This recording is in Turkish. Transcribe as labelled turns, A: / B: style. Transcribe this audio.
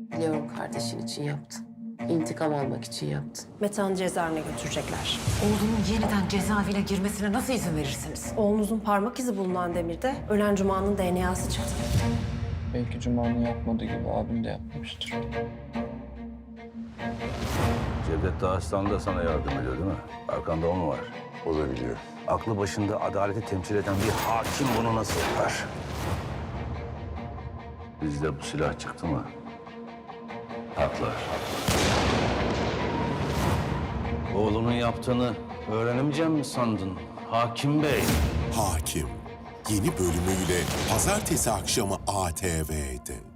A: Biliyorum kardeşin için yaptın. İntikam almak için yaptın.
B: Metehan'ı cezaevine götürecekler.
C: Oğlumun yeniden cezaevine girmesine nasıl izin verirsiniz?
B: Oğlunuzun parmak izi bulunan demirde ölen Cuma'nın DNA'sı çıktı.
D: Belki Cuma'nın yapmadığı gibi abim de yapmamıştır.
E: Cevdet Dağıstan da sana yardım ediyor değil mi? Arkanda o mu var?
F: O da biliyor.
E: Aklı başında adaleti temsil eden bir hakim bunu nasıl yapar? Bizde bu silah çıktı mı? Patlar. Oğlunun yaptığını öğrenemeyeceğim mi sandın hakim bey?
G: Hakim yeni bölümüyle pazartesi akşamı ATV'de.